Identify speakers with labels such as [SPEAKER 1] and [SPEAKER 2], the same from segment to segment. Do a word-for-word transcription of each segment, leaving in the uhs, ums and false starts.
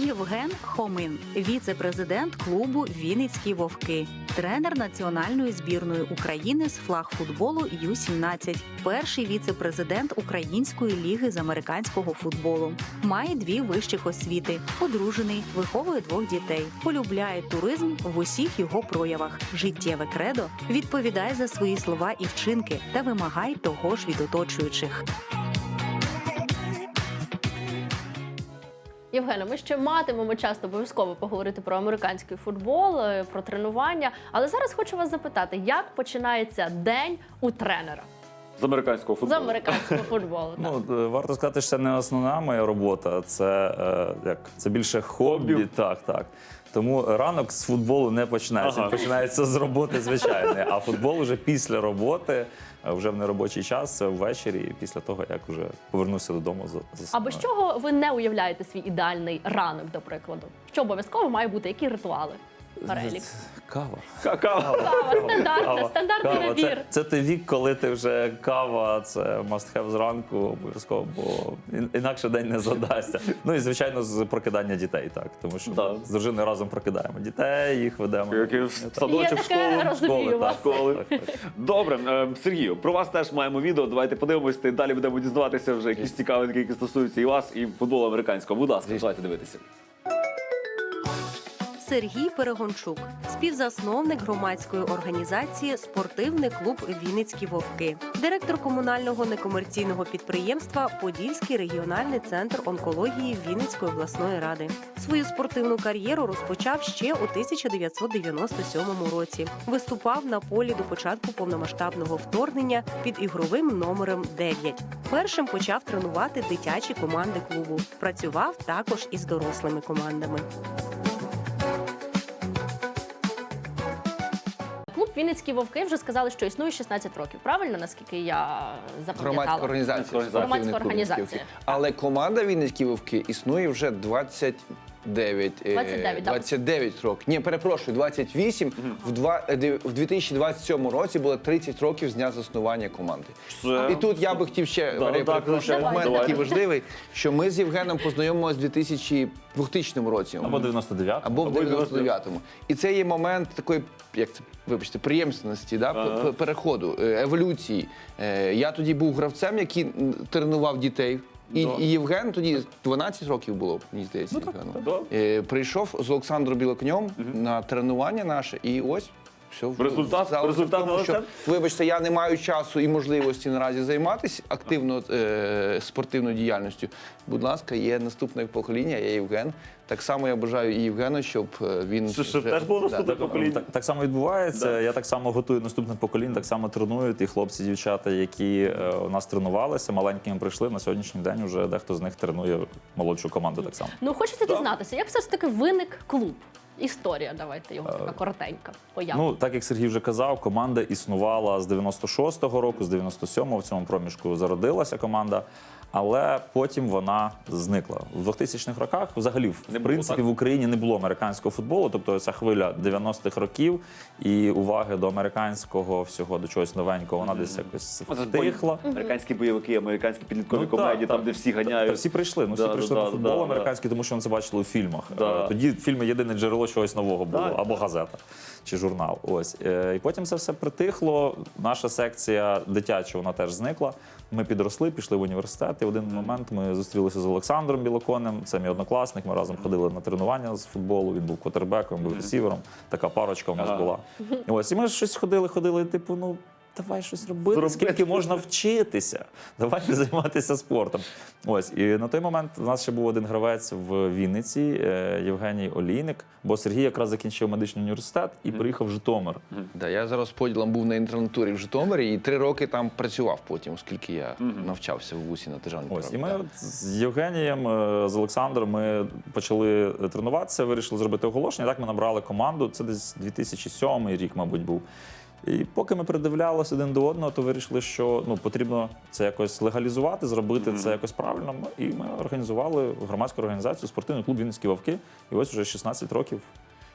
[SPEAKER 1] Євген Хомин, віце-президент клубу «Вінницькі вовки», тренер національної збірної України з флагфутболу Ю сімнадцять, перший віце-президент Української ліги з американського футболу. Має дві вищих освіти, одружений, виховує двох дітей, полюбляє туризм в усіх його проявах. Життєве кредо – відповідає за свої слова і вчинки та вимагай того ж від оточуючих.
[SPEAKER 2] Євгене, ми ще матимемо часто обов'язково поговорити про американський футбол, про тренування. Але зараз хочу вас запитати, як починається день у тренера?
[SPEAKER 3] З американського футболу.
[SPEAKER 2] З американського футболу, так.
[SPEAKER 4] Ну, варто сказати, що це не основна моя робота, це, е, як, це більше хобі.
[SPEAKER 3] Хобі.
[SPEAKER 4] Так, так. Тому ранок з футболу не починається,
[SPEAKER 3] Ага.
[SPEAKER 4] він починається з роботи звичайної, а футбол вже після роботи, вже в неробочий час, це ввечері, після того, як вже повернувся додому. За, за
[SPEAKER 2] А без чого ви не уявляєте свій ідеальний ранок, до прикладу? Що обов'язково має бути? Які ритуали? Перелік.
[SPEAKER 4] Кава.
[SPEAKER 3] Какао.
[SPEAKER 2] Кава, стандартна, стандартний
[SPEAKER 4] Кава.
[SPEAKER 2] набір.
[SPEAKER 4] Це, це той вік, коли ти вже кава, це must have зранку обов'язково, бо ін- інакше день не задасться. Ну і, звичайно, з прокидання дітей, так. Тому що
[SPEAKER 3] Да.
[SPEAKER 4] ми з дружиною разом прокидаємо дітей, їх ведемо.
[SPEAKER 3] Як і в
[SPEAKER 2] Є
[SPEAKER 3] садочок, в
[SPEAKER 2] таке,
[SPEAKER 3] школу.
[SPEAKER 2] розумію
[SPEAKER 4] школи,
[SPEAKER 2] вас.
[SPEAKER 4] так.
[SPEAKER 3] Школи.
[SPEAKER 4] Так, так.
[SPEAKER 3] Добре, е, Сергію, про вас теж маємо відео. Давайте подивимось, і далі будемо дізнаватися вже якісь цікавинки, які стосуються і вас, і футболу американського. Будь ласка, давайте дивитися.
[SPEAKER 5] Сергій Перегончук, співзасновник громадської організації «Спортивний клуб Вінницькі вовки», директор комунального некомерційного підприємства «Подільський регіональний центр онкології Вінницької обласної ради». Свою спортивну кар'єру розпочав ще у тисяча дев'ятсот дев'яносто сьомому році. Виступав на полі до початку повномасштабного вторгнення під ігровим номером дев'ять. Першим почав тренувати дитячі команди клубу. Працював також із дорослими командами.
[SPEAKER 2] Клуб «Вінницькі вовки» вже сказали, що існує шістнадцять років. Правильно, наскільки я запам'ятала?
[SPEAKER 6] Громадська організація.
[SPEAKER 3] Громадська
[SPEAKER 6] спортивний клуб
[SPEAKER 2] організація.
[SPEAKER 6] «Вінницькі вовки». Але команда «Вінницькі вовки» існує вже двадцять дев'ять, е,
[SPEAKER 2] двадцять дев'ять, так?
[SPEAKER 6] двадцять дев'ять років. Ні, перепрошую, двадцять вісім. В, два, е, дев- в дві тисячі двадцять сьомому році було тридцять років з дня заснування команди.
[SPEAKER 3] Все.
[SPEAKER 6] І тут я би хотів ще,
[SPEAKER 3] Да,
[SPEAKER 6] Марія,
[SPEAKER 3] так,
[SPEAKER 6] перепрошую,
[SPEAKER 3] звичайно.
[SPEAKER 6] момент
[SPEAKER 3] Давайте.
[SPEAKER 6] такий важливий, що ми з Євгеном познайомилися в дві тисячі двохтисячному році.
[SPEAKER 4] Або дев'яносто дев'ятому.
[SPEAKER 6] Або в
[SPEAKER 3] Або в
[SPEAKER 6] дев'яносто дев'ятому. І це є момент такої, як це, вибачте, приємственності, да?
[SPEAKER 3] Ага.
[SPEAKER 6] п- переходу, е, еволюції. Е, Я тоді був гравцем, який м, тренував дітей. І,
[SPEAKER 3] Да.
[SPEAKER 6] і Євген тоді дванадцять років було, мені здається, Євгену.
[SPEAKER 3] да.
[SPEAKER 6] Е, Прийшов з Олександром Білоконем на тренування наше, і ось все.
[SPEAKER 3] Результат?
[SPEAKER 6] Залишок
[SPEAKER 3] Результат
[SPEAKER 6] в тому, що,
[SPEAKER 3] налицем?
[SPEAKER 6] вибачте, я не маю часу і можливості наразі займатися активно е, спортивною діяльністю. Будь ласка, є наступне покоління, я Євген. Так само я бажаю і Євгену, щоб е, він...
[SPEAKER 3] Щоб- щоб
[SPEAKER 6] вже-
[SPEAKER 3] теж було
[SPEAKER 6] Да.
[SPEAKER 3] наступне покоління.
[SPEAKER 4] Так, так само відбувається.
[SPEAKER 3] Да.
[SPEAKER 4] Я так само готую наступне покоління, так само тренують. І хлопці, дівчата, які е, у нас тренувалися, маленькими прийшли, на сьогоднішній день вже дехто з них тренує молодшу команду так само.
[SPEAKER 2] Ну, хочеться дізнатися, як все ж таки виник клуб? Історія, давайте його така коротенька. Поява.
[SPEAKER 4] Ну, так як Сергій вже казав, команда існувала з дев'яносто шостого року, з дев'яносто сьомого в цьому проміжку зародилася команда, але потім вона зникла. В двохтисячних роках взагалі, в
[SPEAKER 3] Не було,
[SPEAKER 4] принципі,
[SPEAKER 3] так?
[SPEAKER 4] в Україні не було американського футболу, тобто ця хвиля дев'яностих років і уваги до американського всього, до чогось новенького, вона десь якось
[SPEAKER 3] Оце ж бої-
[SPEAKER 4] втихла.
[SPEAKER 3] Американські бойовики, американські підліткові
[SPEAKER 4] Ну,
[SPEAKER 3] комедії,
[SPEAKER 4] так,
[SPEAKER 3] там,
[SPEAKER 4] так.
[SPEAKER 3] де всі ганяють.
[SPEAKER 4] Та всі прийшли, ну всі
[SPEAKER 3] Да, да,
[SPEAKER 4] прийшли
[SPEAKER 3] да,
[SPEAKER 4] на футбол
[SPEAKER 3] да,
[SPEAKER 4] американський, тому що вони це бачили у фільмах.
[SPEAKER 3] Да.
[SPEAKER 4] Е, Тоді фільми єдине джерело чогось нового було,
[SPEAKER 3] Так.
[SPEAKER 4] або газета чи журнал. Ось. Е, І потім це все притихло. Наша секція дитяча, вона теж зникла. Ми підросли, пішли в університет, і в один момент ми зустрілися з Олександром Білоконем, це мій однокласник, ми разом ходили на тренування з футболу, він був квотербеком, був ресівером, така парочка в нас
[SPEAKER 3] Ага.
[SPEAKER 4] була. Ось, і ми щось ходили, ходили, типу, ну, давай щось робити,
[SPEAKER 3] Зробити.
[SPEAKER 4] скільки можна вчитися, давайте займатися спортом. Ось, і на той момент у нас ще був один гравець в Вінниці, е, Євгеній Олійник, бо Сергій якраз закінчив медичний університет і приїхав в Житомир.
[SPEAKER 6] Да, я зараз поділом був на інтернатурі в Житомирі і три роки там працював потім, оскільки я навчався в вусі на державній
[SPEAKER 4] Ось, і
[SPEAKER 6] програмі.
[SPEAKER 4] ми от з Євгенієм, е, з Олександром ми почали тренуватися, вирішили зробити оголошення. Так ми набрали команду, це десь дві тисячі сьомий рік, мабуть, був. І поки ми придивлялися один до одного, то вирішили, що ну, потрібно це якось легалізувати, зробити mm-hmm. це якось правильно. І ми організували громадську організацію «Спортивний клуб Вінницькі вовки». І ось вже шістнадцять років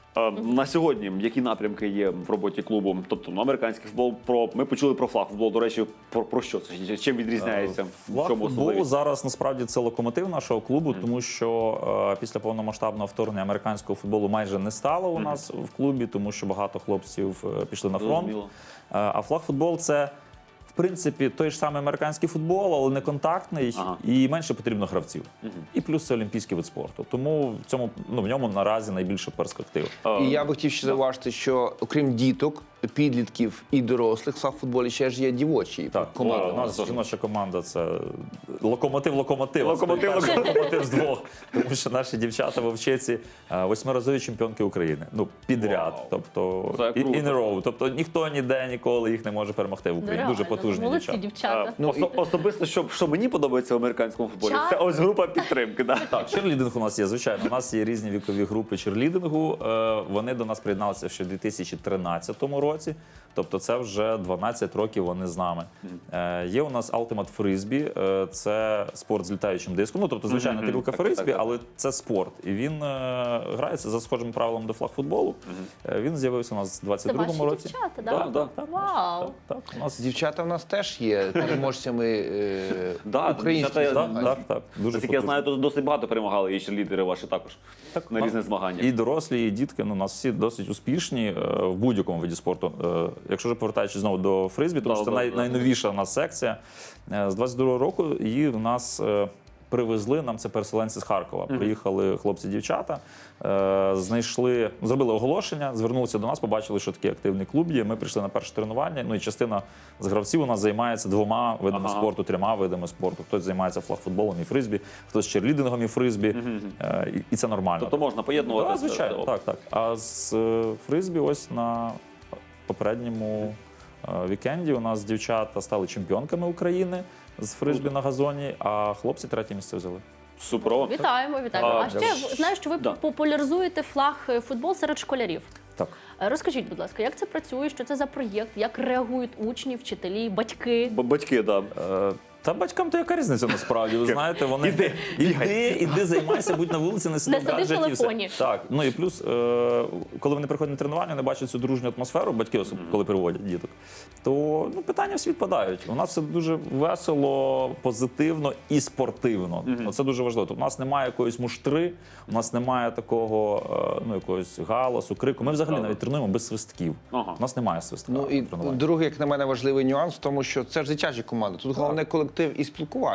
[SPEAKER 3] Е, На сьогодні які напрямки є в роботі клубу? Тобто ну, американський футбол, про ми почули про флаг футбол. До речі, про, про що це? Чим відрізняється? В
[SPEAKER 4] Флаг
[SPEAKER 3] чому
[SPEAKER 4] футболу
[SPEAKER 3] особливість?
[SPEAKER 4] зараз насправді це локомотив нашого клубу, тому що е, після повномасштабного вторгнення американського футболу майже не стало у нас в клубі, тому що багато хлопців е, пішли на фронт.
[SPEAKER 3] Зрозуміло.
[SPEAKER 4] Е, а флаг футбол це в принципі той ж самий американський футбол, але не контактний,
[SPEAKER 3] Ага.
[SPEAKER 4] і менше потрібно гравців. І плюс це олімпійський вид спорту. Тому в цьому ну в ньому наразі найбільше перспектив.
[SPEAKER 3] Е,
[SPEAKER 6] І я би хотів ще зауважити, що окрім діток, підлітків і дорослих, в футболі ще ж є дівочі
[SPEAKER 4] Так,
[SPEAKER 6] команди.
[SPEAKER 4] у нас жіноча команда це локомотив локомотив.
[SPEAKER 3] Локомотив,
[SPEAKER 4] Перший локомотив з двох. Тому що наші дівчата вовчиці е, восьмиразові чемпіонки України. Ну, підряд.
[SPEAKER 3] Вау.
[SPEAKER 4] Тобто
[SPEAKER 3] Це
[SPEAKER 4] і-
[SPEAKER 3] круто.
[SPEAKER 4] in a row. Тобто ніхто ніде ніколи їх не може перемогти в Україні. Дуже
[SPEAKER 2] Реально,
[SPEAKER 4] потужні
[SPEAKER 2] молодці,
[SPEAKER 4] дівчата.
[SPEAKER 2] дівчата.
[SPEAKER 3] Ну, Осо- особисто, що, що мені подобається в американському футболі,
[SPEAKER 2] Чат.
[SPEAKER 3] це ось група підтримки. Да?
[SPEAKER 4] Так, черлідинг у нас є, звичайно. У нас є різні вікові групи черлідингу. Е, Вони до нас приєдналися ще в дві тисячі тринадцятому році. Тобто це вже дванадцять років вони з нами. Е, Є у нас Ultimate Frisbee, е, це спорт з літаючим диском. Ну, тобто, звичайно,
[SPEAKER 3] Мгм.
[SPEAKER 4] тарілка
[SPEAKER 3] Так, так,
[SPEAKER 4] фризбі,
[SPEAKER 3] так.
[SPEAKER 4] але це спорт. І він е, грається за схожим правилом до флаг-футболу. Е, Він з'явився у нас в
[SPEAKER 2] Це
[SPEAKER 4] двадцять другому
[SPEAKER 2] ваші
[SPEAKER 4] році.
[SPEAKER 2] дівчата,
[SPEAKER 3] Да,
[SPEAKER 2] да?
[SPEAKER 3] да.
[SPEAKER 4] Так,
[SPEAKER 2] Вау!
[SPEAKER 4] так, так. У нас
[SPEAKER 6] Дівчата в нас теж є переможцями е,
[SPEAKER 3] Да,
[SPEAKER 6] українських
[SPEAKER 3] дівчата-
[SPEAKER 6] змагань.
[SPEAKER 4] так, так, так. Дуже
[SPEAKER 3] Наскільки я
[SPEAKER 4] потужно.
[SPEAKER 3] знаю, то досить багато перемагали і лідери ваші також на
[SPEAKER 4] Ну,
[SPEAKER 3] різних змаганнях.
[SPEAKER 4] І дорослі, і дітки, ну, у нас всі досить успішні е, в будь-якому виді спорту. Е, Якщо ж повертаючись знову до фризбі, тому
[SPEAKER 3] Да,
[SPEAKER 4] що це
[SPEAKER 3] да,
[SPEAKER 4] най,
[SPEAKER 3] да.
[SPEAKER 4] найновіша у нас секція. Е, З двадцять другого року її в нас е, привезли, нам це переселенці з Харкова. Приїхали хлопці-дівчата, е, знайшли, зробили оголошення, звернулися до нас, побачили, що такий активний клуб є. Ми прийшли на перше тренування. Ну і частина з гравців у нас займається двома видами
[SPEAKER 3] Ага.
[SPEAKER 4] спорту, трьома видами спорту. Хтось займається флаг-футболом і фризбі, хтось черлідингом і фризбі. Е, і- І це нормально.
[SPEAKER 3] Тобто можна поєднувати.
[SPEAKER 4] Так,
[SPEAKER 3] це-
[SPEAKER 4] звичайно,
[SPEAKER 3] це-
[SPEAKER 4] так, так. А з е, фризбі ось на попередньому е, вікенді у нас дівчата стали чемпіонками України з фризбі на газоні, а хлопці третє місце взяли.
[SPEAKER 3] Суперово.
[SPEAKER 2] Вітаємо, вітаємо.
[SPEAKER 3] А,
[SPEAKER 2] А ще знаю, що ви
[SPEAKER 3] Да.
[SPEAKER 2] популяризуєте флаг е, футбол серед школярів.
[SPEAKER 4] Так.
[SPEAKER 2] Е, Розкажіть, будь ласка, як це працює, що це за проєкт, як реагують учні, вчителі, батьки?
[SPEAKER 3] Б- Батьки, так.
[SPEAKER 4] Е, Та батькам то яка різниця насправді? Ви знаєте, вони
[SPEAKER 3] Іди,
[SPEAKER 4] іди, іди, займайся, будь на вулиці, не сиди
[SPEAKER 2] Не
[SPEAKER 4] в
[SPEAKER 2] сиди в
[SPEAKER 4] гаджеті. і все.
[SPEAKER 2] телефоні.
[SPEAKER 4] Так, ну і плюс, е, коли вони приходять на тренування, вони бачать цю дружню атмосферу, батьки особливо, коли приводять діток, то ну, питання всі відпадають. У нас все дуже весело, позитивно і спортивно. Це дуже важливо. Тобто у нас немає якоїсь муштри, у нас немає такого е, ну, якогось галасу, крику. Ми взагалі
[SPEAKER 3] Ага.
[SPEAKER 4] навіть тренуємо без свистків.
[SPEAKER 3] Ага.
[SPEAKER 4] У нас немає свистка.
[SPEAKER 6] Ну і
[SPEAKER 4] на тренуванні.
[SPEAKER 6] другий, як на мене, важливий нюанс в тому, що це ж дитячі команди. Тут головне колектив і спілкування.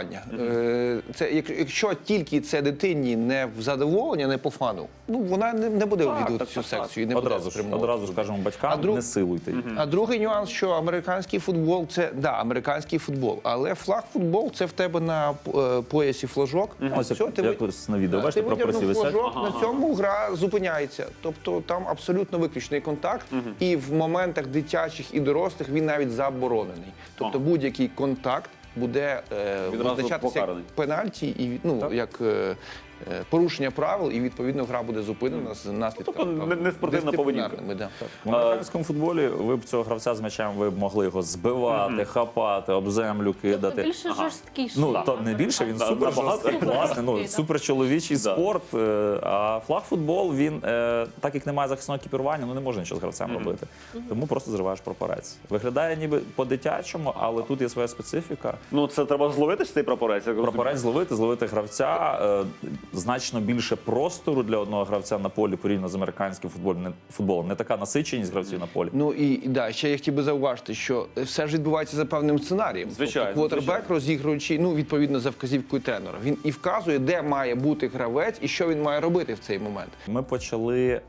[SPEAKER 6] Е, Це як- якщо тільки це дитині не в задоволення, не по фану, ну вона не, не буде
[SPEAKER 3] Так,
[SPEAKER 6] відвідувати
[SPEAKER 3] так,
[SPEAKER 6] цю
[SPEAKER 3] так, так.
[SPEAKER 6] секцію і не буде
[SPEAKER 4] Одразу ж,
[SPEAKER 6] спрямовувати.
[SPEAKER 4] одразу ж кажемо батькам,
[SPEAKER 6] А друг-
[SPEAKER 4] не силуйте їх.
[SPEAKER 6] А другий нюанс, що американський футбол це да, американський футбол, але флаг футбол це в тебе на е, поясі флажок.
[SPEAKER 4] Ось
[SPEAKER 6] Все,
[SPEAKER 4] як,
[SPEAKER 6] ти
[SPEAKER 4] як
[SPEAKER 6] ви-
[SPEAKER 4] ось на відео,
[SPEAKER 6] Ти
[SPEAKER 4] бачите, прапорці
[SPEAKER 6] витягнув
[SPEAKER 4] висять.
[SPEAKER 6] флажок, на цьому гра зупиняється. Тобто там абсолютно виключний контакт, і в моментах дитячих і дорослих він навіть заборонений. Тобто
[SPEAKER 3] Ага.
[SPEAKER 6] будь-який контакт буде е,
[SPEAKER 3] Відразу
[SPEAKER 6] визначатися як
[SPEAKER 3] покараний.
[SPEAKER 6] пенальті і ну як е, е, порушення правил, і відповідно гра буде зупинена з наслідками.
[SPEAKER 3] Тобто не- не спортивна поведінка.
[SPEAKER 6] дисциплінарними, да.
[SPEAKER 4] В американському футболі ви б цього гравця з м'ячем ви б могли його збивати, хапати, об землю
[SPEAKER 2] Тобто
[SPEAKER 4] кидати.
[SPEAKER 2] більше жорсткіше.
[SPEAKER 4] Ну, то не більше, він
[SPEAKER 3] Да,
[SPEAKER 4] супер
[SPEAKER 3] набагато.
[SPEAKER 4] жорсткий, класний,
[SPEAKER 2] Супер
[SPEAKER 4] ну,
[SPEAKER 2] жорсткий,
[SPEAKER 4] супер чоловічий
[SPEAKER 3] Да.
[SPEAKER 4] спорт. е, А флаг-футбол, він, е, так як немає захисного екіпірування, ну не можна нічого з гравцем робити. Тому просто зриваєш прапорець. Виглядає ніби по-дитячому, але тут є своя специфіка.
[SPEAKER 3] Ну, це треба зловити ж цей прапорець. як
[SPEAKER 4] Прапорець
[SPEAKER 3] розумію.
[SPEAKER 4] зловити, зловити гравця. е, Значно більше простору для одного гравця на полі порівняно з американським футболом. Не, футболом. Не така насиченість гравців на полі.
[SPEAKER 6] Ну і і, да, ще я хотів би зауважити, що все ж відбувається за певним сценарієм.
[SPEAKER 3] Звичайно,
[SPEAKER 6] Тобто, квотербек,
[SPEAKER 3] звичайно.
[SPEAKER 6] розігруючи, ну відповідно за вказівкою тренера. Він і вказує, де має бути гравець і що він має робити в цей момент.
[SPEAKER 4] Ми почали е,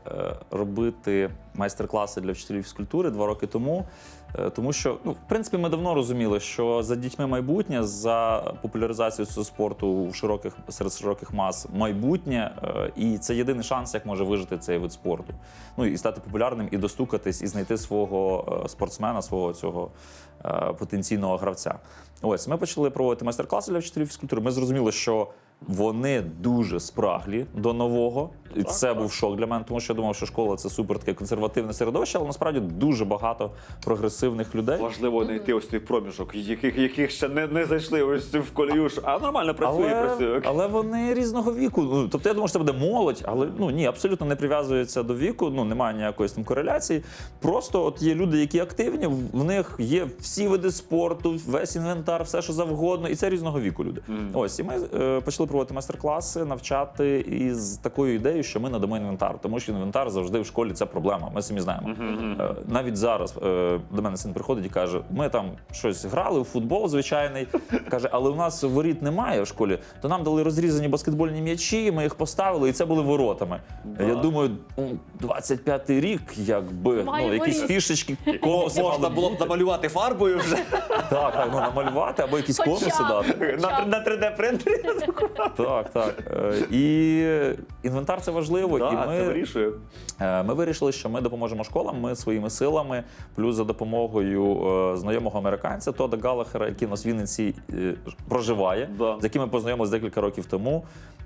[SPEAKER 4] робити майстер-класи для вчителів фізкультури два роки тому. е, Тому що, ну, в принципі, ми давно розуміли, що за дітьми майбутнє, за популяризацією цього спорту в широких, серед широких мас майбутнє, е, і це єдиний шанс, як може вижити цей вид спорту. Ну і стати популярним, і достукатись, і знайти свого е, спортсмена, свого цього е, потенційного гравця. Ось ми почали проводити майстер-класи для вчителів фізкультури. Ми зрозуміли, що Вони дуже спраглі до нового. І це був шок для мене, тому що я думав, що школа це супер таке консервативне середовище, але насправді дуже багато прогресивних людей.
[SPEAKER 3] Важливо знайти ось той проміжок, яких, яких ще не, не зайшли ось в колію, ж- а нормально працює,
[SPEAKER 4] Але,
[SPEAKER 3] працює.
[SPEAKER 4] але вони різного віку. Ну, тобто я думаю, що це буде молодь, але ну ні, абсолютно не прив'язується до віку, ну немає ніякої там кореляції. Просто от є люди, які активні, в них є всі види спорту, весь інвентар, все що завгодно, і це різного віку люди. Ось і ми е, почали проводити майстер-класи, навчати із такою ідеєю, що ми надамо інвентар, тому що інвентар завжди в школі це проблема. Ми самі знаємо. Е, навіть зараз е, до мене син приходить і каже: ми там щось грали в футбол звичайний. Каже, але у нас воріт немає в школі, то нам дали розрізані баскетбольні м'ячі, ми їх поставили, і це були воротами. Я думаю, ну, двадцять п'ятий рік, якби
[SPEAKER 2] Має
[SPEAKER 4] ну, якісь
[SPEAKER 2] воріт.
[SPEAKER 4] фішечки, конуси
[SPEAKER 3] Можна
[SPEAKER 4] мали
[SPEAKER 3] було б намалювати фарбою вже
[SPEAKER 4] так, так, ну, намалювати або якісь
[SPEAKER 2] Хоча б.
[SPEAKER 4] конуси дати.
[SPEAKER 3] на, на три де принтері.
[SPEAKER 4] Так, так. Е, І інвентар це важливо.
[SPEAKER 3] Так,
[SPEAKER 4] і
[SPEAKER 3] це
[SPEAKER 4] ми,
[SPEAKER 3] вирішує.
[SPEAKER 4] е, ми вирішили, що ми допоможемо школам, ми своїми силами, плюс за допомогою е, знайомого американця Тода Галлахера, який у нас в Вінниці е, проживає,
[SPEAKER 3] Да.
[SPEAKER 4] з яким ми познайомилися декілька років тому.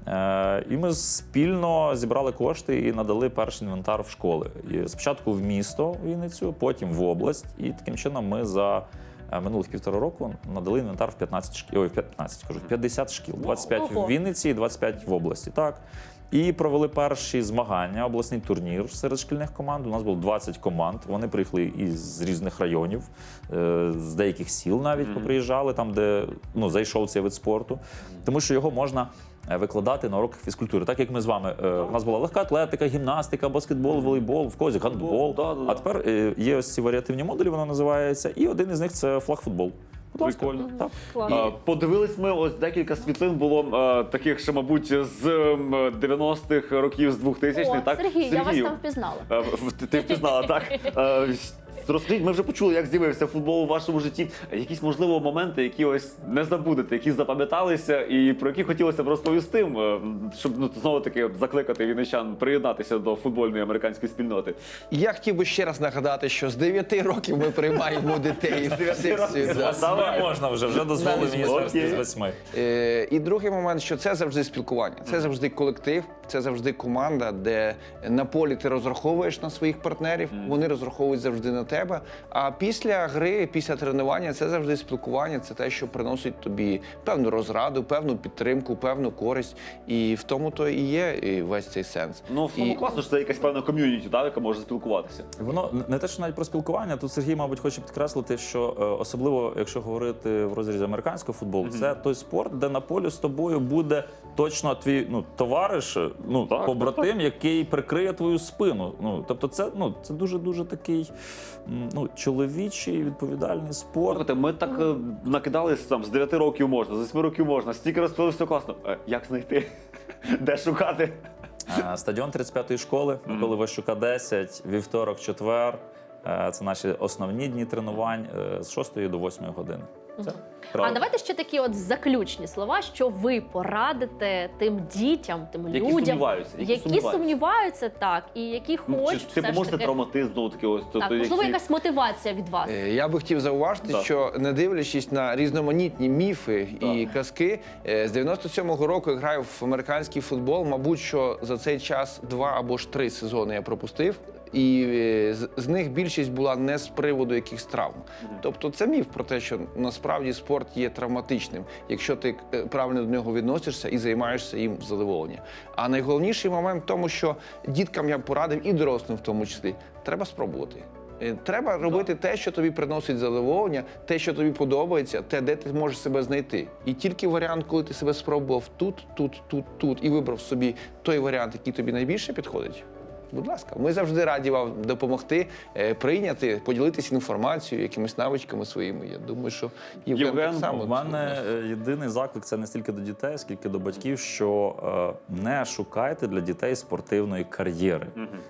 [SPEAKER 4] Е, І ми спільно зібрали кошти і надали перший інвентар в школи. І спочатку в місто Вінницю, потім в область. І таким чином ми за е, минулих півтора року надали інвентар в п'ятнадцять шкіл, ой, в п'ятнадцять, кажу, в п'ятдесят шкіл, двадцять п'ять
[SPEAKER 2] Ого.
[SPEAKER 4] в Вінниці і двадцять п'ять в області. Так. І провели перші змагання, обласний турнір серед шкільних команд. У нас було двадцять команд. Вони приїхали із різних районів, е, з деяких сіл навіть поприїжджали, там, де ну, зайшов цей вид спорту. Тому що його можна е, викладати на уроках фізкультури. Так як ми з вами. е, У нас була легка атлетика, гімнастика, баскетбол, волейбол, в когось гандбол.
[SPEAKER 3] Да, да, да.
[SPEAKER 4] А тепер е, є ось ці варіативні модулі, воно називається. І один із них це флагфутбол. Будь ласка.
[SPEAKER 3] Прикольно.
[SPEAKER 4] Так.
[SPEAKER 2] Клас.
[SPEAKER 3] А, Подивились ми, ось декілька світлин було а, таких ще, мабуть, з ем, дев'яностих років, з двохтисячних.
[SPEAKER 2] О,
[SPEAKER 3] так?
[SPEAKER 2] Сергій, я вас
[SPEAKER 3] Сергію,
[SPEAKER 2] там впізнала.
[SPEAKER 3] а, в- ти, ти впізнала, так? А, Розкажіть, ми вже почули, як з'явився футбол у вашому житті. Якісь, можливо, моменти, які ось не забудете, які запам'яталися і про які хотілося б розповісти, м, щоб ну, знову-таки закликати вінничан приєднатися до футбольної американської спільноти.
[SPEAKER 6] Я хотів би ще раз нагадати, що з дев'яти років ми приймаємо дітей в секцію.
[SPEAKER 3] років.
[SPEAKER 6] да.
[SPEAKER 3] Давай.
[SPEAKER 4] Можна вже, вже дозволили
[SPEAKER 6] Навіть
[SPEAKER 4] міністерстві
[SPEAKER 3] окей.
[SPEAKER 4] з восьми.
[SPEAKER 6] Е, І другий момент, що це завжди спілкування, це завжди колектив, це завжди команда, де на полі ти розраховуєш на своїх партнерів, вони розраховують завжди на тебе. А після гри, після тренування, це завжди спілкування, це те, що приносить тобі певну розраду, певну підтримку, певну користь. І в тому то і є і весь цей сенс.
[SPEAKER 3] Ну, в тому
[SPEAKER 6] І-
[SPEAKER 3] класно, що це якась певна ком'юніті, так, яка може спілкуватися.
[SPEAKER 4] Воно не те, що навіть про спілкування. Тут Сергій, мабуть, хоче підкреслити, що е, особливо, якщо говорити в розрізі американського футболу, це той спорт, де на полі з тобою буде точно твій ну товариш, ну
[SPEAKER 3] Так,
[SPEAKER 4] побратим, який прикриє твою спину. Ну тобто, це ну це дуже дуже такий м, ну чоловічий відповідальний спорт.
[SPEAKER 3] Слухайте, ми так е, накидались там з дев'яти років можна, з восьми років можна, стільки розповіли, все класно. Е, Як знайти? Де шукати?
[SPEAKER 4] Е, Стадіон тридцять п'ятої школи, Миколи Ващука десять, вівторок, четвер. Е, Це наші основні дні тренувань е, з шостої до восьмої години. Це
[SPEAKER 2] А
[SPEAKER 4] правда.
[SPEAKER 2] давайте ще такі от заключні слова, що ви порадите тим дітям, тим
[SPEAKER 3] Які
[SPEAKER 2] людям,
[SPEAKER 3] сумніваються, які
[SPEAKER 2] які
[SPEAKER 3] сумніваються.
[SPEAKER 2] сумніваються, так, і які
[SPEAKER 3] Ну, чи
[SPEAKER 2] хочуть
[SPEAKER 3] ти
[SPEAKER 2] все ж
[SPEAKER 3] поможете
[SPEAKER 2] таки.
[SPEAKER 3] травматизм, знову таки, ось
[SPEAKER 2] Так,
[SPEAKER 3] тобто,
[SPEAKER 2] можливо,
[SPEAKER 3] які-
[SPEAKER 2] якась мотивація від вас.
[SPEAKER 6] Е, Я би хотів зауважити,
[SPEAKER 3] Так.
[SPEAKER 6] що не дивлячись на різноманітні міфи і казки, е, з дев'яносто сьомого року я граю в американський футбол. Мабуть, що за цей час два або ж три сезони я пропустив. І е, з- з них більшість була не з приводу якихось травм. Тобто це міф про те, що насправді спорт є травматичним, якщо ти е, правильно до нього відносишся і займаєшся їм в задоволення. А найголовніший момент в тому, що діткам я б порадив, і дорослим в тому числі, треба спробувати. Е, Треба робити те, що тобі приносить задоволення, те, що тобі подобається, те, де ти можеш себе знайти. І тільки варіант, коли ти себе спробував тут, тут, тут, тут і вибрав собі той варіант, який тобі найбільше підходить. Будь ласка, ми завжди раді вам допомогти, е, прийняти, поділитися інформацією, якимись навичками своїми. Я думаю, що Євген,
[SPEAKER 3] Євген,
[SPEAKER 6] так само.
[SPEAKER 4] У мене е, єдиний заклик це не стільки до дітей, скільки до батьків, що е, не шукайте для дітей спортивної кар'єри.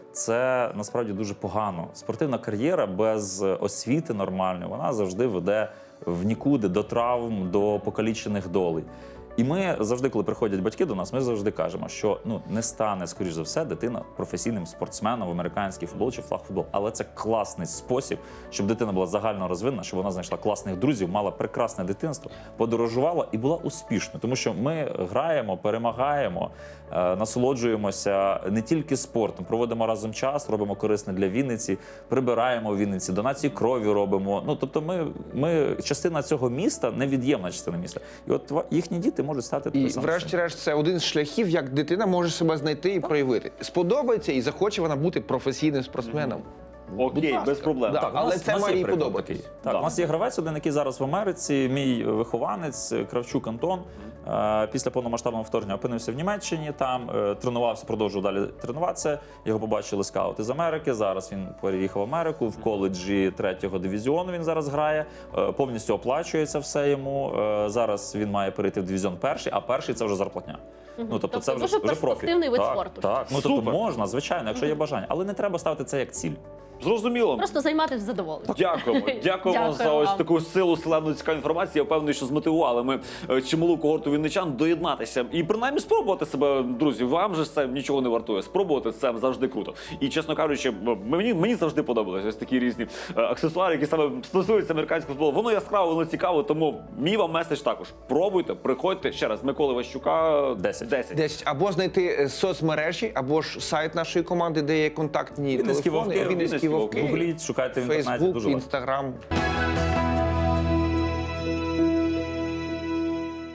[SPEAKER 4] Це насправді дуже погано. Спортивна кар'єра без освіти нормальної, вона завжди веде в нікуди, до травм, до покалічених долей. І ми завжди, коли приходять батьки до нас, ми завжди кажемо, що ну не стане, скоріш за все, дитина професійним спортсменом в американський футбол чи флагфутбол. Але це класний спосіб, щоб дитина була загально розвинена, щоб вона знайшла класних друзів, мала прекрасне дитинство, подорожувала і була успішною. Тому що ми граємо, перемагаємо, е, насолоджуємося не тільки спортом, проводимо разом час, робимо корисне для Вінниці, прибираємо в Вінниці, донації крові робимо. Ну тобто, ми, ми частина цього міста, невід'ємна частина міста. І от ва- їхні діти можуть стати
[SPEAKER 6] І
[SPEAKER 4] такою самою.
[SPEAKER 6] врешті-решт це один з шляхів, як дитина може себе знайти і проявити. Сподобається і захоче вона бути професійним спортсменом.
[SPEAKER 3] Окей,
[SPEAKER 6] ласка.
[SPEAKER 3] без проблем.
[SPEAKER 6] Да.
[SPEAKER 3] Так,
[SPEAKER 6] Але
[SPEAKER 4] У нас-
[SPEAKER 6] це
[SPEAKER 4] у нас
[SPEAKER 6] має
[SPEAKER 4] є
[SPEAKER 6] їй
[SPEAKER 4] приклад
[SPEAKER 6] подобатись.
[SPEAKER 4] такий. Так,
[SPEAKER 3] Да.
[SPEAKER 4] у нас є гравець один, який зараз в Америці, мій вихованець Кравчук Антон. Е, Після повномасштабного вторгнення опинився в Німеччині, там е, тренувався, продовжував далі тренуватися. Його побачили скаути з Америки. Зараз він переїхав в Америку. В коледжі третього дивізіону він зараз грає. Е, Повністю оплачується все йому. Е, Зараз він має перейти в дивізіон перший, а перший це вже зарплатня. Ну, тобто,
[SPEAKER 2] Тобто
[SPEAKER 4] це вже,
[SPEAKER 2] дуже
[SPEAKER 4] вже профі.
[SPEAKER 2] перспективний вид
[SPEAKER 4] так,
[SPEAKER 2] спорту.
[SPEAKER 4] Так, ну тобто
[SPEAKER 3] Супер.
[SPEAKER 4] можна, звичайно, якщо є бажання, але не треба ставити це як ціль.
[SPEAKER 3] Зрозуміло.
[SPEAKER 2] Просто займатися задоволенням.
[SPEAKER 3] Дякуємо. Дякуємо
[SPEAKER 2] Дякую
[SPEAKER 3] за ось
[SPEAKER 2] вам.
[SPEAKER 3] таку силу селену цікаву інформацію. Я впевнений, що змотивували ми е, чималу когорту вінничан доєднатися і принаймні спробувати себе, друзі. Вам же це нічого не вартує. Спробувати це завжди круто. І чесно кажучи, мені, мені завжди подобалися ось такі різні е, аксесуари, які саме стосуються американського футболу. Воно яскраво, воно цікаво. Тому мій вам меседж також. Пробуйте, приходьте ще раз. Миколи Ващука
[SPEAKER 4] Десять.
[SPEAKER 3] десять.
[SPEAKER 6] Десь або знайти е, соцмережі, або ж сайт нашої команди, де є контактні
[SPEAKER 4] Вінницькі
[SPEAKER 6] телефони.
[SPEAKER 4] вовки,
[SPEAKER 6] Вінницькі
[SPEAKER 3] Вінницькі
[SPEAKER 6] вовки.
[SPEAKER 4] Гугліть, шукайте в інтернеті,
[SPEAKER 6] Фейсбук,
[SPEAKER 4] дуже легко.
[SPEAKER 6] Інстаграм.